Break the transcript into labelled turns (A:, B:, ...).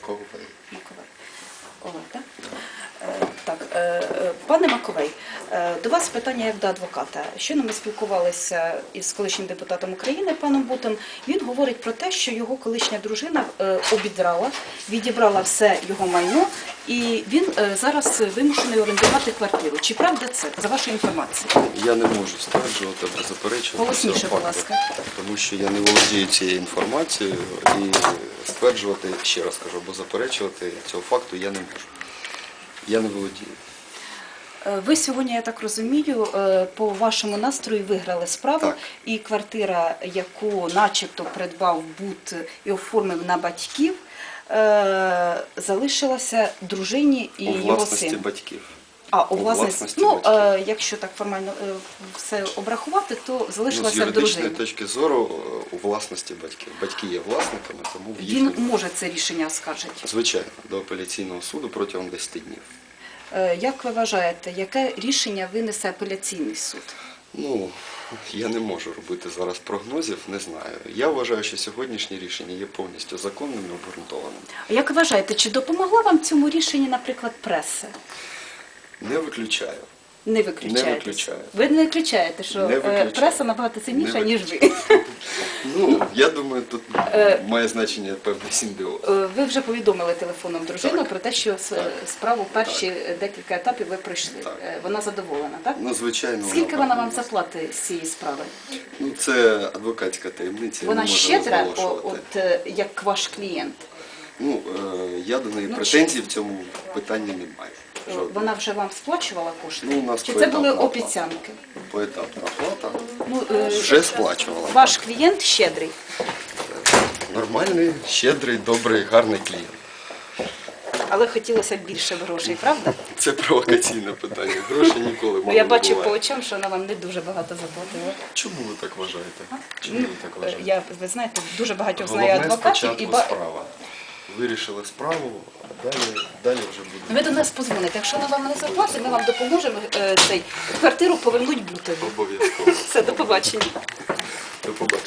A: Маковей.
B: Маковей. Олег, так? Так, пане Маковей, до вас питання як до адвоката. Щойно ми спілкувалися із колишнім депутатом України, паном Бутом. Він говорить про те, що його колишня дружина обідрала, відібрала все його майно, і він зараз вимушений орендувати квартиру. Чи правда це, за вашою інформацією?
A: Я не можу стверджувати або заперечувати
B: Голосніше,
A: цього
B: будь
A: факту,
B: ласка.
A: тому що я не володію цією інформацією і стверджувати, ще раз кажу, або заперечувати цього факту я не можу. Я не володію.
B: Ви сьогодні, я так розумію, по вашому настрою виграли справу,
A: Так.
B: і квартира, яку начебто придбав Бут і оформив на батьків, залишилася дружині і
A: У
B: його
A: власності
B: сину.
A: батьків.
B: А, у власності. Ну,
A: батьків.
B: якщо так формально все обрахувати, то
A: З
B: залишилася в
A: юридичної
B: дружині.
A: точки зору у власності батьків. Батьки є власниками, тому в
B: Він
A: їхньому...
B: може це рішення оскаржити.
A: Звичайно, до апеляційного суду протягом 10 днів.
B: Як ви вважаєте, яке рішення винесе апеляційний суд?
A: Ну, я не можу робити зараз прогнозів, не знаю. Я вважаю, що сьогоднішнє рішення є повністю законним і обґрунтованим.
B: А як ви вважаєте, чи допомогла вам цьому рішенні, наприклад, преса?
A: Не виключаю.
B: Не виключаєте?
A: Не виключаю.
B: Ви не виключаєте, що
A: Не виключаю.
B: преса набагато сильніша,
A: Не
B: ніж ви.
A: Ну, я думаю, тут має значення певний симбіоз.
B: Ви вже повідомили телефоном дружину
A: Так.
B: про те, що справу перші декілька етапів ви пройшли.
A: Так.
B: Вона задоволена, так?
A: Ну, звичайно,
B: Скільки вона вам
A: подобається.
B: заплатить з цієї справи?
A: Ну, це адвокатська таємниця, я
B: Вона
A: не можу
B: щедра,
A: розголошувати.
B: як ваш клієнт?
A: Ну, я до неї
B: Ну,
A: претензій в цьому питанні не маю. Жодних.
B: Вона вже вам сплачувала кошти?
A: Ну, у нас
B: Чи це
A: поетапна
B: були
A: оплата.
B: обіцянки?
A: Поетапна оплата
B: Ну,
A: вже сплачувала.
B: ваш клієнт щедрий.
A: Нормальний, щедрий, добрий, гарний клієнт.
B: Але хотілося б більше грошей, правда?
A: Це провокаційне питання. Гроші ніколи
B: Ну,
A: мало
B: я
A: не
B: бачу по
A: буває.
B: очам, що вона вам не дуже багато заплатила.
A: Чому ви так вважаєте? Чому ви так вважаєте?
B: Ви знаєте, дуже багатьох знаю
A: Головне
B: адвокатів.
A: спочатку справа. Вирішили справу, а далі вже буде.
B: Ви до нас позвоните. Якщо вона вам не заплатить, ми вам допоможемо квартиру повернуть Бутові.
A: Обов'язково.
B: Все, до побачення.
A: До побачення.